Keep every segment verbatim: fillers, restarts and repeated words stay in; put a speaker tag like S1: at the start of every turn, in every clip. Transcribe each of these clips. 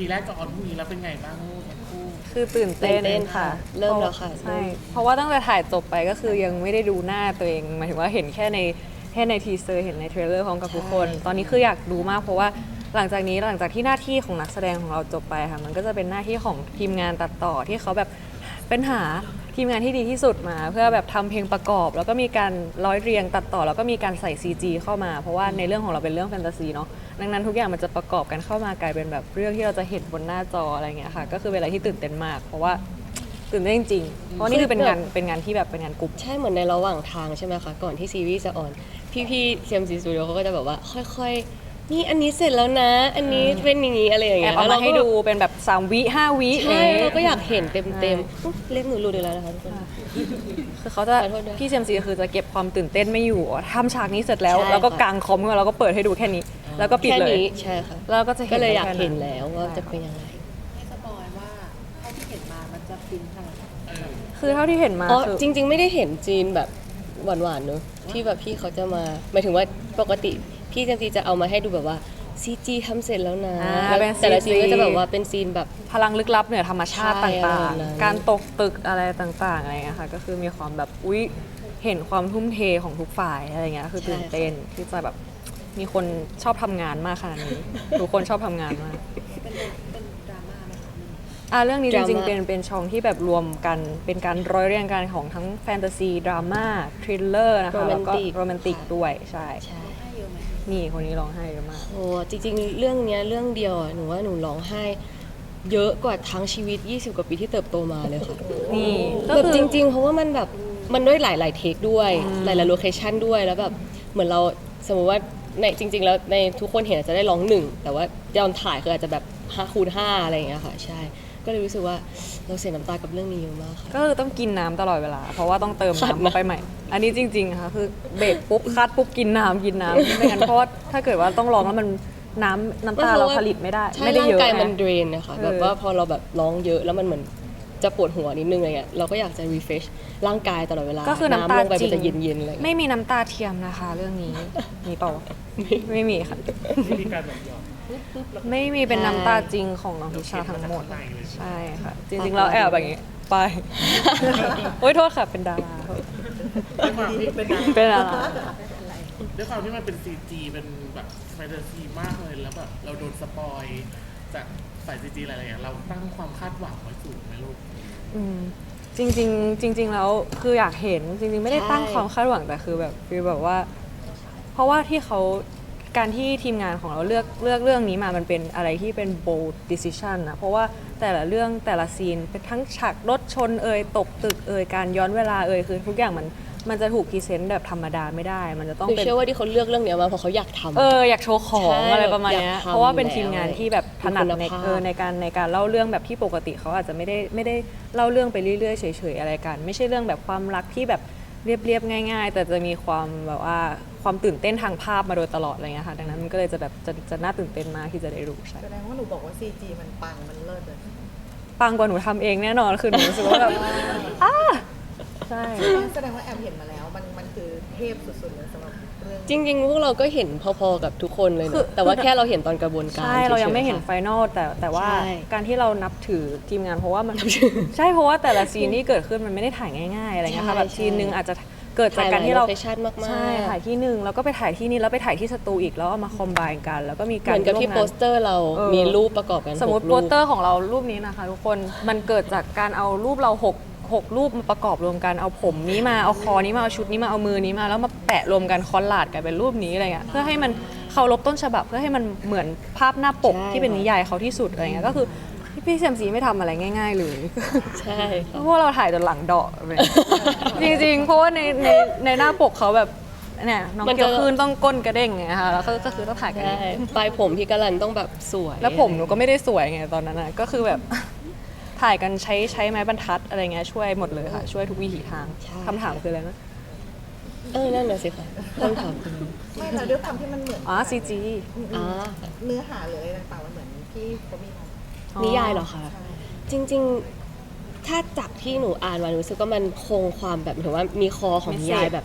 S1: แรกจะออนพรุ่งนี้แล้วเป็นไงบ้างทั้งคู่
S2: คือตื่นเต้น
S3: ตื่นเต้น
S2: ค่ะ
S3: เริ่มแล้วค่ะ
S2: ใช่เพราะว่าตั้งแต่ถ่ายจบไปก็คือยังไม่ได้ดูหน้าตัวเองหมายถึงว่าเห็นแค่ในแค่ในทีเซอร์เห็นในเทรลเลอร์พร้อมกับทุกคน ตอนนี้คืออยากดูมากเพราะว่าหลังจากนี้หลังจากที่หน้าที่ของนักแสดงของเราจบไปค่ะมันก็จะเป็นหน้าที่ของทีมงานตัดต่อที่เขาแบบเป็นหาทีมงานที่ดีที่สุดมา เพื่อแบบทำเพลงประกอบ แล้วก็มีการร้อยเรียงตัดต่อแล้วก็มีการใส่ ซี จี เข้ามา เพราะว่าในเรื่องของเราเป็นเรื่องแฟนตาซีเนาะดังนั้นทุกอย่างมันจะประกอบกันเข้ามากลายเป็นแบบเรื่องที่เราจะเห็นบนหน้าจออะไรเงี้ยค่ะก็คือเป็นอะไรที่ตื่นเต้นมาก เพราะว่าตื่นเต้นจริงๆเพราะนี่คือเป็นงานเป็นงานที่แบบเป็นงานกลุ่ม
S3: ใช่เหมือนในระหว่างทางใช่ไหมคะก่อนที่ซีรีส์จะออน พี่ๆ ซี เอ็ม ซี Studio เขาก็จะแบบว่าค่อยๆ นี่อันนี้เสร็จแล้วนะ อันนี้เป็นอย่างนี้อะไรอย่าง
S2: แอ
S3: เงี้
S2: บ
S3: ย
S2: เอามาให้
S3: แล้วรก็
S2: ดูเป็นแบบสามวิห้าวิ
S3: ใช่
S2: นี่
S3: เราก็อยากเห็นเต็มๆอุ๊ยเล็บหนูรูดอีกแล้วนะคะทุกคน
S2: คือเขาจะ
S3: ขอโทษด้วย
S2: พี่เซมซีคือจะเก็บความตื่นเต้นไม่อยู่ทำฉากนี้เสร็จแล้ว
S3: ใช่
S2: แล้วก็
S3: ค่ะ
S2: กางคอมขึ้นมาแล้วก็เปิดให้ดูแค่นี้ แล้วก็ปิด
S3: แค่
S2: เลย
S3: นี้ใช่ค่ะ
S2: แล้วก็จะเห็น
S3: ก็เลยอยาก
S2: แค่นั้น
S3: เห็นแล้วว่าจะเป็นยังไง
S4: ให้สปอยว่าเท่าที่เห็นมามันจะฟินขนาดไหน
S2: คือเท่าที่เห็นมา
S3: อ๋อ
S2: คือ
S3: จริง ๆ ไม่ได้เห็นจีนแบบหวานๆเนอะที่แบบพี่เขาจะมาหมายถึงว่าปกติพี่เจมซีจะเอามาให้ดูแบบว่าซีจีทำเสร็จแล้วนะ
S2: อ่า
S3: แล้ว
S2: เป็น
S3: แต่ละ
S2: ซี
S3: ซี
S2: จี
S3: นก็จะแบบว่าเป็นซีนแบบ
S2: พลังลึกลับเหนือธรรมชาติ
S3: ใช่
S2: ต่าง
S3: อะไรแบบนั้น
S2: ๆ การตกตึกอะไรต่างๆอะไรเงี้ยค่ะก็คือมีความแบบอุ๊ยเห็นความทุ่มเทของทุกฝ่ายอะไรเงี้ยคือตื่นเต้นที่จะแบบมีคนชอบทำงานมากขนาดนี้ ทุกคนชอบทำงานมาก
S4: เป็นเป็นดราม่าไหมคะ
S2: อ่ะเรื่องนี้จ
S3: ดราม่า
S2: ริงๆ เป็นเป็นช่องที่แบบรวมกันเป็นการร้อยเรียงกันของทั้งแฟนตาซีดราม่าทริลเลอร์นะคะแล้วก็โรแมนติกด้วยใช่
S3: ใช่
S4: ให้เยอะไหม
S2: นี่คนนี้ร้องไห้เยอะมาก
S3: โอ้จริงๆ เรื่องเนี้ยเรื่องเดียวอะหนูว่าหนูร้องไห้ เยอะกว่าทั้งชีวิต ยี่สิบ กว่าปีที่เติบโตมาเลยค่ะ
S2: นี่ก็
S3: แบบ
S2: คือ
S3: จริง ๆ เพราะว่ามันแบบมันด้วยหลาย ๆ เทคด้วย หลาย ๆ โลเคชันด้วยแล้วแบบเหมือนเราสมมติว่าในจริง ๆ แล้วในทุกคนเห็นอาจจะได้ร้องหนึ่งแต่ว่าตอนถ่ายคืออาจจะแบบห้าคูณห้าอะไรอย่างเงี้ยค่ะใช่ ก็เลยรู้สึกว่าเราเสียน้ำตากับเรื่องนี้เยอะมากค่ะ
S2: ก็คือต้องกินน้ำตลอดเวลา เพราะว่าต้องเติม
S3: ขัด
S2: น้ำ
S3: นะ
S2: เข้าไปใหม่ อันนี้จริงๆค่ะคือเบรกปุ๊บคัดปุ๊บกินน้ำกินน้ำไม่งั้นเพราะว่าถ้าเกิดว่าต้องร้องแล้วมันน้ำน้ำตาเราผลิตไม่ได้
S3: ใช่
S2: ไม่ได้
S3: ร่าง
S2: เยอะ
S3: กายมัน
S2: นะ
S3: เดรนนะคะ
S2: เออ
S3: แบบว่าพอเราแบบร้องเยอะแล้วมันเหมือนจะปวดหัวนิดนึงอะไรเงี้ยเราก็อยากจะ refresh ร่างกายตลอดเวลา
S2: ก็คือน้ำตา
S3: ลงไป
S2: จริ
S3: มัน
S2: ง
S3: จะเย็นๆอะไรเงี้ย
S2: ไม่มีน้ำตาเทียมนะคะ เรื่องนี้มีเปล่าไม่มีค่ะ
S1: วิธีการแบบหยอดปุ๊บปุ๊บแล้วก็
S2: ไม่มีเป็นน้ำตาจริงของน้องทิชาทั้งหมด ใช่ค่ะ จริงๆแล้วแอบแบบนี้ไป โอ๊ยโทษค่ะเป็นดาราโทษ
S1: ด้วยความที่เป็น
S2: เป็นดารา
S1: ด้วยความที่มันเป็นซีจีเป็นแบบแฟนตาซีมากเลยแล้วแบบเราโดนสปอยจากสายซีจีอะไรๆอย่างเราตั้งความคาดหวังไว้สูงไหมลูก
S2: อืมจริงๆจริง ๆ แล้วคืออยากเห็นจริง ๆ ไม่ได้ตั้ง
S3: ใช่
S2: ความคาดหวังแต่คือแบบฟีลแบบว่า เพราะว่าที่เขาการที่ทีมงานของเราเลือกเลือกเรื่องนี้มามันเป็นอะไรที่เป็น bold decision นะเพราะว่าแต่ละเรื่องแต่ละซีนเป็นทั้งฉากรถชนเอ่ยตกตึกเอ่ยการย้อนเวลาเอ่ยคือทุกอย่างมันมันจะถูกพรีเซนต์แบบธรรมดาไม่ได้ มันจะต้อง
S3: หนู
S2: เป็น
S3: เชื่อว่าที่เขาเลือกเรื่องเนี้ยมาเพราะเขาอยากทำ
S2: เอออยากโชว์ของ
S3: ใช่
S2: อะไรประมาณเนี้ย
S3: อยากทำ
S2: เพราะว่าเป็นทีมงาน
S3: แล้ว
S2: ที่แบบถนัดใน
S3: มีคุณภาพ
S2: เออในการในการเล่าเรื่องแบบที่ปกติเขาอาจจะไม่ได้ไม่ได้เล่าเรื่องไปเรื่อยๆเฉยๆอะไรกัน ไม่ใช่เรื่องแบบความรักที่แบบเรียบๆง่าย ๆ แต่จะมีความแบบว่าความตื่นเต้นทางภาพมาโดยตลอดอะไรเงี้ยค่ะดังนั้นมันก็เลยจะแบบจะจะน่าตื่นเต้นมากที่จะได้รู้ใช่
S4: แสดงว่าหนูบอกว่า ซี จี มันปังมันเลิศเลย
S2: ปังกว่าหนูทำเองแน่นอนคือหนูรู้สึกว่าแบบอ้าใช่
S4: แสดงว่าแอมเห็นมาแล้ว มันมันคือเทพสุดๆเลยสำหรับเรื่อง
S3: จริงๆพวกเราก็เห็นพอๆกับทุกคนเลย
S2: คือ
S3: เนะแต่ว่าแค่เราเห็นตอนกระบวนการ
S2: ใช่เรายังไม่เห็น
S3: ฉๆ
S2: ไฟนอลแต่แต่ว่า
S3: ใช่
S2: การที่เรานับถือทีมงานเพราะว่ามัน ใช่เพราะว่าแต่ละซีนที่เกิดขึ้นมันไม่ได้ถ่ายง่ายๆอะไรเงี้ยค่ะ
S3: ใช่
S2: แบบซีนหนึ่ง
S3: ใช่
S2: อาจจะเกิดจากการที่เรา
S3: ถ่ายหลาย location มากๆ
S2: ใช่ถ่ายที่หนึ่งแล้วก็ไปถ่ายที่นี่แล้วไปถ่ายที่สตูอีกแล้วเอามาคอมไบน์กัน แล้วก็มี
S3: เห
S2: การ
S3: มือนกับที่
S2: ร่ว
S3: โป
S2: งาน
S3: สเตอร์เรา
S2: เออ
S3: มีรูปประกอบกัน
S2: สมมติ
S3: หก
S2: โป
S3: รู
S2: ส
S3: ป
S2: เตอร์ของเรารูปนี้นะคะทุกคนมันเกิดจากการเอารูปเราหกหกรูปมาประกอบรวมกันเอาผมนี้มาเอาคอนี้มาเอาชุดนี้มาเอามือนี้มาแล้วมาแปะรวมกันคอลลาดกันเป็นรูปนี้อะไรเงี้ยเพื่อให้มันเคารพต้นฉบับเพื่อให้มันเหมือนภาพหน้าปก
S3: ใช่
S2: ที่เป็นนิยายเขาที่สุดอะไรเงี้ยก็คือพี่เซมซีไม่ทำอะไรง่าย ๆ เลย
S3: ใช่ค่ะ
S2: พวกเราถ่ายจนหลังเดาะเลย จริงๆ เพราะว่าในในในหน้าปกเขาแบบเนี่ยน้อง
S3: มันจะ
S2: เกียวคืนต้องก้นกระเด้งไงคะแล้วก็ก็คือต้องถ่ายกัน
S3: ใช่ปลายผมพี่กะลันต้องแบบสวย
S2: แล้วผมหนูก็ไม่ได้สวยไงตอนนั้นนะก็คือแบบ ถ่ายกันใช้ใช้ไม้บรรทัดอะไรเงี้ยช่วยหมดเลยค่ะ ช่วยทุกวิถีทางคำถามคืออะไรนะ
S3: เออนั่นน่ะสิค่ะคำถามคือ
S4: ไม่แต่ด้วยความที่มันเหมือน
S2: อ๋อซีจี
S3: อ่า
S4: เนื้อหาหรืออะไรต่างๆมันเหมือนที่เขามีทำ
S3: นิยายเหรอคะ
S4: ใช่
S3: จริงๆ ถ้าจากที่หนูอ่านมาหนูรู้สึกว่ามันคงความแบบหมายถึงว่ามีคอของนิยายแบบ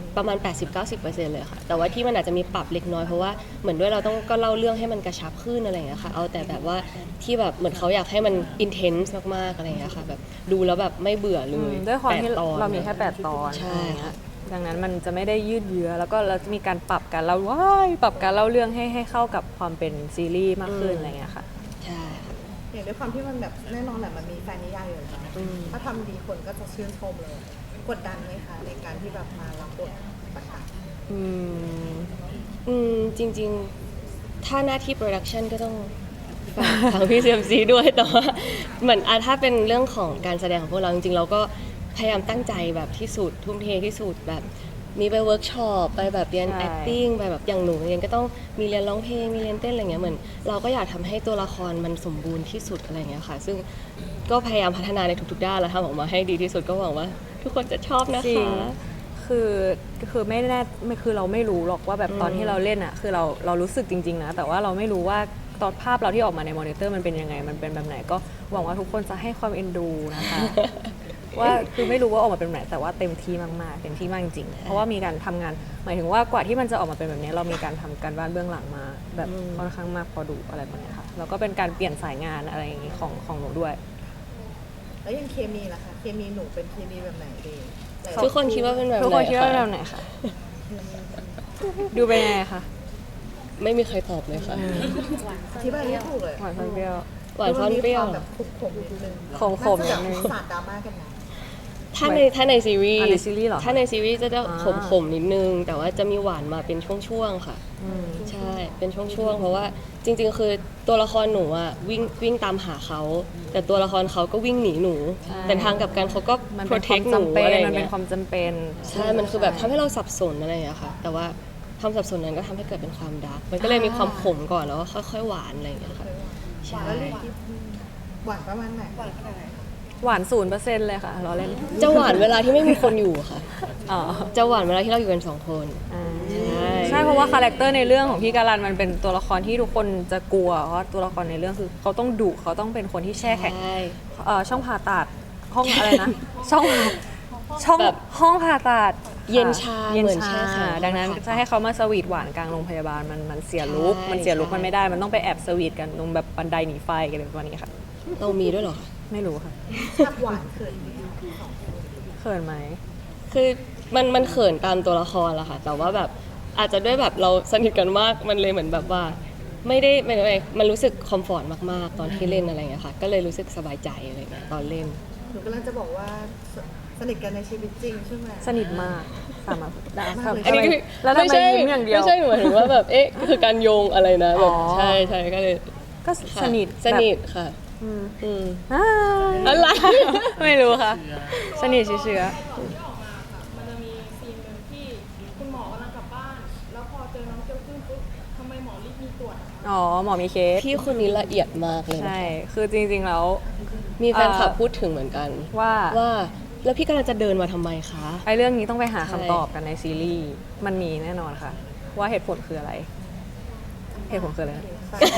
S3: ประมาณ แปดสิบถึงเก้าสิบเปอร์เซ็นต์ เลยค่ะแต่ว่าที่มันอาจจะมีปรับเล็กน้อยเพราะว่าเหมือนด้วยเราต้องก็เล่าเรื่องให้มันกระชับขึ้นอะไรอย่างเงี้ยค่ะเอาแต่แบบว่าที่แบบเหมือนเขาอยากให้มัน intense มากๆอะไรอย่างเงี้ยค่ะแบบดูแล้วแบบไม่เบื่อเล
S2: อื
S3: ย
S2: มด้วยความที่
S3: แปดตอน
S2: เรามีแค่แปดตอน
S3: ใช่
S2: อะไรเงี้ยดังนั้นมันจะไม่ได้ยืดเยื้อแล้วก็เราจะมีการปรับการเล่าว้ายปรับการเล่าเรื่องให้ให้เข้ากับความเป็นซีรีส์มากขึ้นอะไรเงี้ยค่ะ
S3: ใช่ค่ะ
S4: อย่างด้วยความที่มันแบบแน่นอนแหละมันมีแฟนนิยายอยู่แล้ว
S3: อืม
S4: ถ้าทำดีคนก็จะชื่นชมเลยกดดันไหมคะในการที่แบบมารับบทต่าง
S2: อืม
S3: อืมจริงๆ ถ้าหน้าที่โปรดักชันก็ต้องฝากทางพี่เซียมซีด้วยแต่ว่าเหมือนอ่ะถ้าเป็นเรื่องของการแสดงของพวกเราจริงๆเราก็พยายามตั้งใจแบบที่สุดทุ่มเทที่สุดแบบมีไปเวิร์กช็อปไปแบบเรียน
S2: ใช่
S3: acting ไปแบบอย่างหนูเรียนก็ต้องมีเรียนร้องเพลงมีเรียนเต้นอะไรเงี้ยเหมือนเราก็อยากทำให้ตัวละครมันสมบูรณ์ที่สุดอะไรเงี้ยค่ะ ซึ่งก็พยายามพัฒนาในทุกๆด้านแล้วทำออกมาให้ดีที่สุดก็หวังว่า ทุกคนจะชอบนะ
S2: จริง
S3: คะ
S2: คือคือไม่แน่ไม่คือเราไม่รู้หรอกว่าแบบตอนที่เราเล่นอ่ะคือเราเรารู้สึกจริงๆนะแต่ว่าเราไม่รู้ว่าตอนภาพเราที่ออกมาในมอนิเตอร์มันเป็นยังไงมันเป็นแบบไหนก็หวังว่าทุกคนจะให้ความเอ็นดูนะคะ ว่าคือไม่รู้ว่าออกมาเป็นแบบไหนแต่ว่าเต็มที่มากๆเต็มที่มากจริงๆเพราะว่ามีการทำงานหมายถึงว่ากว่าที่มันจะออกมาเป็นแบบนี้เรามีการทำการบ้านเบื้องหลังมา แบบค่อนข้างมากพอดูอะไรแบบนี้ค่ะแล้วก็เป็นการเปลี่ยนสายงานอะไรอย่างนี้ของของหนูด้วย
S4: ๆ แล้วอย่างเคมีล่ะคะเคมีหนูเป็นเคมีแบบไหนดีหลาย
S3: ทุกคนคิดว่าเป็นแบบไหน
S2: ทุกคนคิดว่า
S3: ะ
S2: เราไหนคะดูเป็นยังไงคะ
S3: ไม่มีใครตอบเลยค่ะ
S4: อธิบายไม่ถูกเลย
S2: หวานซ่อนเปรี้ยว
S3: หวานซ่อนเปรี้ยว
S4: มัมีความแบบขมๆนิดนึง
S2: ขมๆนิดนึง
S4: าจะแบบสาดดราม่ากันนะ
S3: ถ้าในถ้าในซีรีส์
S2: อ่ะในซีรีส์เหรอ
S3: ถ้าในซีรีส์จะจะ
S2: อ่า
S3: ขมขมๆนิดนึง แต่ว่าจะมีหวานมาเป็นช่วงๆค่ะ
S2: อืม
S3: ใช่ เป็นช่วงๆ เพราะว่าจริงๆ คือตัวละครหนูอะวิ่งวิ่งตามหาเขา แต่ตัวละครเขาก็วิ่งหนีหนู
S2: ใช่
S3: แต่ทางกลับกันเขาก็
S2: มันเป็นความ
S3: protect หนู
S2: จำเป็น
S3: อะไรอ
S2: มัน
S3: ย่าง
S2: เป็
S3: เงี้
S2: น
S3: ย
S2: ความจำเป็น
S3: ใช่ มันคือแบบทำให้เราสับสนอะไรอย่างเงี้ยค่ะ แต่ว่าความสับสนนั้นก็ทำให้เกิดเป็นความดาร์กมันก็เลยมีความขมก่อนแล้วก็ค่อยๆ หวานอะไรอย่างเงี้ยค่ะ ใช่
S4: แล้วเรื่องที่หวานประมาณไหนหวานขนาดไหน
S2: หวานศูนย์เปอร์เซ็นต์เลยค่ะเราเล่น
S3: จะหวานเวลาที่ไม่มีคนอยู่ค่ะ
S2: อ๋อ
S3: จะหวานเวลาที่เราอยู่กันสองคน
S2: อ่า
S3: ใช่
S2: ใช่เพราะว่าคาแรคเตอร์ในเรื่องของพี่การันมันเป็นตัวละครที่ทุกคนจะกลัวเพราะตัวละครในเรื่องคือเขาต้องดุเขาต้องเป็นคนที่แช่แข็ง
S3: ใช่
S2: เอ่อช่องผ่าตัดห้องอะไรนะ ช่องช่อง
S3: แบบ
S2: ห้องผ่าตัด
S3: เย็นชา
S2: เย็น
S3: เหมือน
S2: ชา
S3: แช่แข็ง
S2: ดังนั้น
S3: ห้องผ่าตัด
S2: จะให้เขามาสวีทหวานกลางโรงพยาบาลมันมันเสียลุก
S3: ใช่
S2: มันเสียลุก
S3: ใช่
S2: มันไม่ได้มันต้องไปแอบสวีทกันตรงแบบบันไดหนีไฟกันเลยประมาณนี้ค่ะ
S3: เรามีด้วยเหรอคะ
S2: ไม่รู้ค่ะ
S4: ภาพหวานเขินไหม
S2: เขินไหม
S3: คือมันมันเขินตามตัวละครละค่ะ แต่ว่าแบบอาจจะด้วยแบบเราสนิทกันมากมันเลยเหมือนแบบว่า ไม่ได้ไม่ได้มันรู้สึกคอมฟอร์ตมากๆ ตอนที่เล่นอะไรอย่างเงี้ยค่ะ ก็เลยรู้สึกสบายใจอะไรอย่างเงี้ยตอนเล่น
S4: หนูกำลังจะบอกว่าสสนิทกันในชีวิตจริงใช่ไหม
S2: สนิทมากสามารถได้
S4: มากเลย
S3: อันนี้คือ
S2: แล้วทำ
S3: ไม่
S2: ไม
S3: ใช่
S2: ยิ้มอย่างเดียว
S3: ไม่ใช่หนูหมายถึงว่าแบบเอ๊ะคือการโยงอะไรนะแบบ
S2: อ๋อ
S3: ใช่ใช่ก็เลย
S2: ก็
S3: ค่ะ
S2: สนิท
S3: สนิท
S2: แบบ
S3: ค่ะ
S2: อืม
S3: อืม
S2: อ่า
S3: อะไร
S2: ไม่รู้ค่ะ
S1: เชื้อ
S2: สนิทเชื้อ
S5: มันจะมีซีนหนึ่งที่คุณหมอกำลังกลับบ้าน แล้วพอเจอน้องเจ้าขึ้นปุ๊บทำไมหมอรีบมีตรวจอะคะ
S2: อ๋อหมอมีเคส
S3: พี่คนนี้ละเอียดมากเลยนะ
S2: ใช่ คือจริงๆแล้ว
S3: มีแฟนคลับ
S2: เอ่อ
S3: พูดถึงเหมือนกัน
S2: ว่า
S3: ว่าแล้วพี่กำลังจะเดินมาทำไมคะ
S2: ไอ้เรื่องนี้ต้องไปหา
S3: ใช่
S2: คำตอบกันในซีรีส์มันมีแน่นอนค่ะ ว่าเหตุผลคืออะไร เหตุผลคืออะไรนะ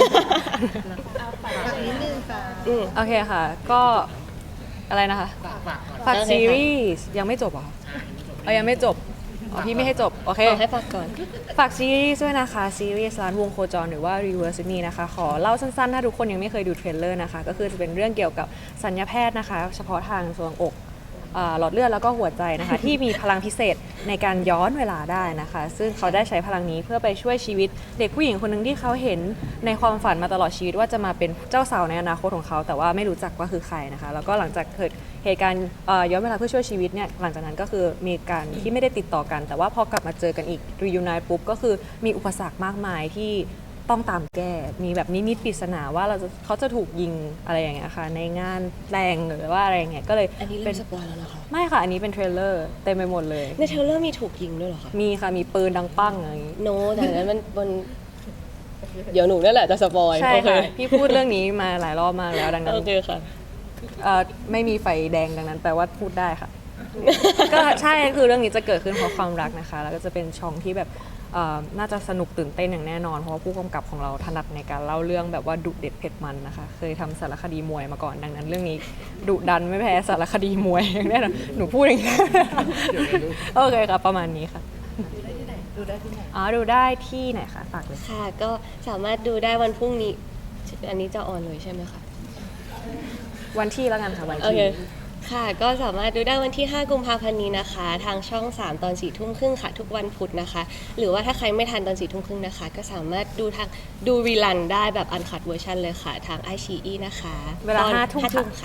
S4: ฝากนิดนึงค่ะ
S3: อืม
S2: โอเคค่ะ ก็อะไรนะคะ
S1: ฝากฝากก่อน
S2: ฝาก
S3: โอเคค่ะ
S2: ซีรีส์ยังไม่จบเหรอคะเออยังไม่จบอ๋อพี่ไม่ให้จบ โอเค
S3: ขอให้ฝากก่อน
S2: ฝากซีรีส์ด้วยนะคะ ซีรีส์ร้านวงโคจรหรือว่า Reverse Me นะคะ ขอเล่าสั้นๆ ถ้าทุกคนยังไม่เคยดูเทรลเลอร์นะคะ ก็คือจะเป็นเรื่องเกี่ยวกับสัญญาแพทย์นะคะ เฉพาะทางส่วนอกอ่าหลอดเลือดแล้วก็หัวใจนะคะ ที่มีพลังพิเศษในการย้อนเวลาได้นะคะ ซึ่งเขาได้ใช้พลังนี้เพื่อไปช่วยชีวิตเด็กผู้หญิงคนหนึ่งที่เขาเห็นในความฝันมาตลอดชีวิตว่าจะมาเป็นเจ้าสาวในอนาคตของเขา แต่ว่าไม่รู้จักว่าคือใครนะคะ แล้วก็หลังจากเกิดเหตุการณ์เอ่อย้อนเวลาเพื่อช่วยชีวิตเนี่ยหลังจากนั้นก็คือมีการที่ไม่ได้ติดต่อกัน แต่ว่าพอกลับมาเจอกันอีก reunite ปุ๊บก็คือมีอุปสรรคมากมายที่ต้องตามแก้ มีแบบนิมิตปริศนาว่าเราจะเขาจะถูกยิงอะไรอย่างเงี้ยค่ะในงานแต่งหรือว่าอะไรอย่างเงี้ยก็เลย
S3: อันนี้
S2: เป็
S3: เริ่
S2: น
S3: มสปอยแล้วนะคะ
S2: ไม่ค่ะ อันนี้เป็นเทรลเลอร์เต็มไปหมดเลย
S3: ในเทรลเลอร์มีถูกยิงด้วยเหรอคะ
S2: มีค่ะ มีปืนดังปั้งอะไรอย่างงี้
S3: โนแต่อันนั้นมันบนเดี๋ยวหนูนั่นแหละจะสปอย
S2: ใช่
S3: โอเค
S2: ค่ะ พี่พูดเรื่องนี้มาหลายรอบมากแล้วดังนั้น
S3: โอเคค่ะ
S2: เอ่อไม่มีไฟแดงดังนั้นแปลว่าพูดได้ค่ะ ก็ใช่คือเรื่องนี้จะเกิดขึ้นเพราะความรักนะคะ แล้วก็จะเป็นช่องที่แบบเอ่อน่าจะสนุกตื่นเต้นอย่างแน่นอน เพราะว่าผู้กำกับของเราถนัดในการเล่าเรื่องแบบว่าดุเด็ดเผ็ดมันนะคะ เคยทำสารคดีมวยมาก่อนดังนั้น เรื่องนี้ดุดันไม่แพ้สารคดีมวยอย่างแน่นอนหนูพูดอย่างนี้ โอเคค่ะประมาณนี้ค่ะ
S4: ดูได้ที่ไหนดูได้ที่ไหน
S2: อ๋อดูได้ที่ไหนคะฝากเลย
S3: ค่ะ ก็สามารถดูได้วันพรุ่งนี้ อันนี้จะออนเลยใช่ไหมคะ
S2: วันที่แล้วกันค่ะวัน
S3: โอ
S2: ที่
S3: เค ค่ะ ก็สามารถดูได้วันที่ ห้า กุมภาพันธ์นี้นะคะ ทางช่อง สาม ตอน สี่ ทุ่มครึ่งค่ะ ทุกวันพุธนะคะ หรือว่าถ้าใครไม่ทันตอน สี่ ทุ่มครึ่งนะคะ ก็สามารถดูทางดูรีลันได้แบบอันคัดเวอร์ชันเลยค่ะ ทางไอชีอีนะคะ
S2: เวลา
S3: ตอน
S2: ห้าทุ่ม
S3: ห้าทุ่มค่ะ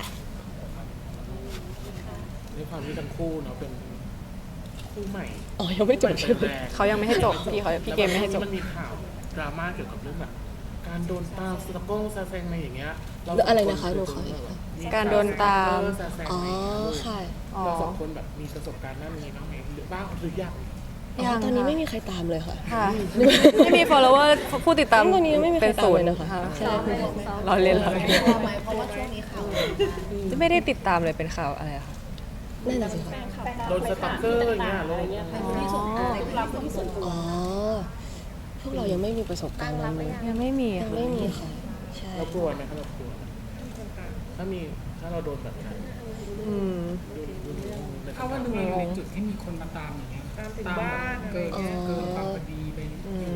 S1: ด้วยความที่ทั้งคู่เนาะเป็นคู่ใหม่
S3: อ๋อ ยังไม่จบใช่ไหม
S1: แรก
S2: เขายังไม่ให้จบพี่เขาพี่เกมไม่ให้จบ
S1: แล้วนมีข่าวดราม่าเกี่ยวกับเรื่องแบบการโดนตามสตอกเกอร์ซาแซงอะไรอย่างเงี้ยเา
S3: อะไรนะคะหนูขอ
S1: มี
S2: การโดนตาม
S1: ซาแซง
S3: อ๋อ
S1: ในลูก
S3: ค่ะ
S2: อ๋อ
S1: เราสองคนแบบมีประสบการณ์ด้านนี้บ้างไหมหรือบ้างหรือยัง
S3: อ๋อ ตอนนี้ไม่มีใครตามเลยค่ะ
S2: ค่ะไม่มี follower ผู้ติดตาม
S3: ตอนนี้ยังไม่มีใคร
S2: เป็น
S3: ตาม
S2: ศูน
S3: เลย
S2: ย์
S3: นะคะ
S2: ค่ะ
S3: ใช่
S2: เราเล่นเราเล่น
S4: พอไหมเพราะว่าช่วงนี้ข่าว
S2: ไม่ได้ติดตามเลยเป็นข่าวอะไรอะคะ
S3: นั่นน่ะสิคะ
S1: โดนสตอกเกอร์อย่างเงี้ยโดน
S4: ที่ส่งในคลิปที่ส่ง
S3: อ๋อ พวกเรายังไม่มีประสบการณ์นั้นเลย
S2: ยังไม่มี
S3: ยัง
S2: ค่ะ
S3: ไม่มีค่ะ ใช่
S1: เรากลัวไหมครับเรากลัวไหมถ้ามีถ้าเราโดนแบบนั้น
S2: อืม
S6: ถ้าว่าดูในจุดที่มีคนมาตามอย่างเงี้ยตามถึงบ้านเกินเกินความพอดีไป
S2: อืม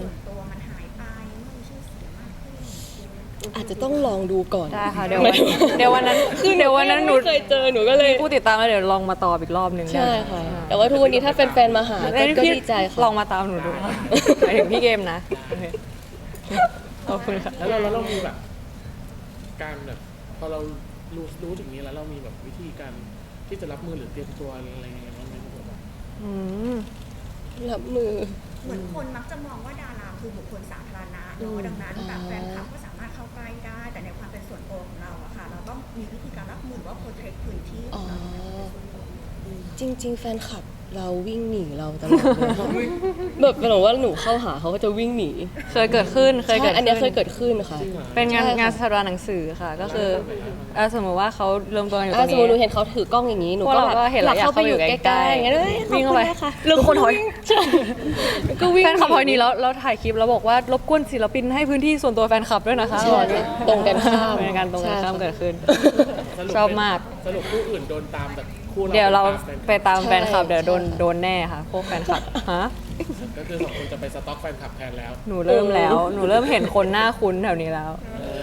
S3: อาจจะต้องลองดูก่อน
S2: ได้ค่ะเดี๋ยววันเดี๋ยววันนั้นคือเดี๋ยววันนั้นหนู
S3: ไม่เคยเจอหนูก็เลย
S2: ผู้ติดตามแล้วเดี๋ยวลองมาตอบอีกรอบหนึ่ง
S3: ใช่ค่ะ แต่ว่าทุกวันนี้ถ้าเป็นแฟนมาหาก็
S2: ได้
S3: ก็
S2: พี่
S3: ดีใจค่ะ
S2: ลองมาตามหนูดูหมายถึงพี่เกมนะโอเคขอบคุณค่ะ
S1: แล้วเราแล้วเรามีแบบ การแบบพอเรารู้รู้ถึงนี้แล้วเรามีแบบวิธีการที่จะรับมือหรือเตรียมตัวอะไรยังไงบ้างไหมครับผม
S2: อืม
S3: รับมือ
S7: เหมือนคนมักจะมองว่าดาราคือบุคคลสาธารณะเนาะดังนั้นแบบแฟนคลับก็สามารถเข้าใกล้ได้ แต่ในความเป็นส่วนตัวของเราอะค่ะ เราต้องมีวิธีการรับมือหรือว่าโปรเทคพื้นที่ข
S3: อ๋
S7: อ
S3: อ
S7: งเรา
S3: จริง ๆ แฟนคลับเราวิ่งหนีเราตลอดเลยค่ะแบบเป็นแบบว่าหนูเข้าหาเขาก็จะวิ่งหนี
S2: เคยเกิดขึ้นเคยเกิด
S3: ใช่อันเนี้ยเค
S2: ขึ้
S3: ยเกิดขึ้นค่ะ
S1: จริงเหรอ
S2: เป็นงาน
S3: ใช่ค่ะ
S2: งานสถาบันหนังสือค่ะ ก็คือเอ่อสมมติว่าเขารวมตัวกันอยู่ต
S3: อ่ะ
S2: รง
S3: สมมติหนู
S2: นี้
S3: เห็นเขาถือกล้องอย่างนี้หนู
S2: พวก
S3: ก็
S2: เรา
S3: แบบ
S2: ก็เห็นแล้ว
S3: อยากเข้าไปอยู่
S2: อยาก
S3: ใก
S2: เข้าไปอยู่ใกล้ๆ
S3: ล้ๆอย่างเงี้ยเอ้ย
S2: วิ่งเข้าไป
S3: ขอบคุณนะคะ
S2: หรือคนถอย
S3: ใช่ก็วิ่ง
S2: แฟนคลับพอยนี้แล้วเราถ่ายคลิปแล้วบอกว่ารบกวนศิลปินให้พื้นที่ส่วนตัวแฟนคลับด้วยนะคะ
S3: ใช่ค่ะตรงกันข้าม
S2: เป็นการตรงกันข้าม
S3: ใช่ค่ะ
S2: เกิดขึ้น
S1: สรุป
S2: ชอบมาก
S1: สรุปคู่อื่นโดนตามแบบคู่
S2: เดี๋ยวเรา
S1: แฟนค
S2: ไป
S1: ลับ
S2: ตามแฟนคลับ
S3: ใช่
S2: เดี๋ยวโดน
S3: ใช่
S2: โดนแน่ค่ะ พวกแฟนคลับฮะ
S1: ก็คือสองคนจะไปสต็อกแฟนคลับแทนแล้ว
S2: หนูเริ่มแล้ว หนูเริ่มเห็นคนหน้าคุ้นแถวนี้แล้ว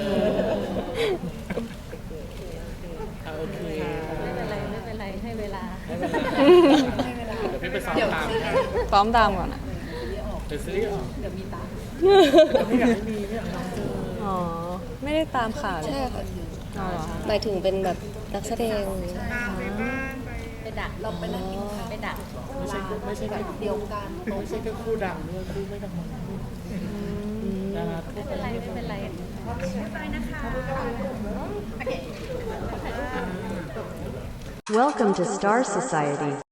S1: อ่ะโอเค
S8: ไม่เป็นไร ไม่เป็นไร ให้เวลา
S1: ให้เวลาเดี๋ยวพี่ไปซ้อมตามนะ
S2: ซ้อมตามก่อนอะ
S1: เดี๋ยวซีรีส์ออก
S8: เดี๋ยวมีตาม
S1: แต่ไม่อยากให้มีไม่อยากให้น้องเจอ
S2: อ๋อ ไม่ได้ตามข่าวเลย
S3: ใช่ค่ะ
S2: อ๋อเหรอ
S3: หมายถึงเป็นแบบนักแสดง
S8: ไปดักเราไปนั่งกินข้าวไปดัก
S1: ไม่ใช่ไม่ใช่แค่
S4: เดียวกัน
S1: ไม่ใช่แค่คู่ดังด้วยคู่ไม่ดังดาราทั่ว
S8: ไม่
S1: ไป
S8: เป็นไร ไม่เป็นไร
S9: Welcome to Star Society.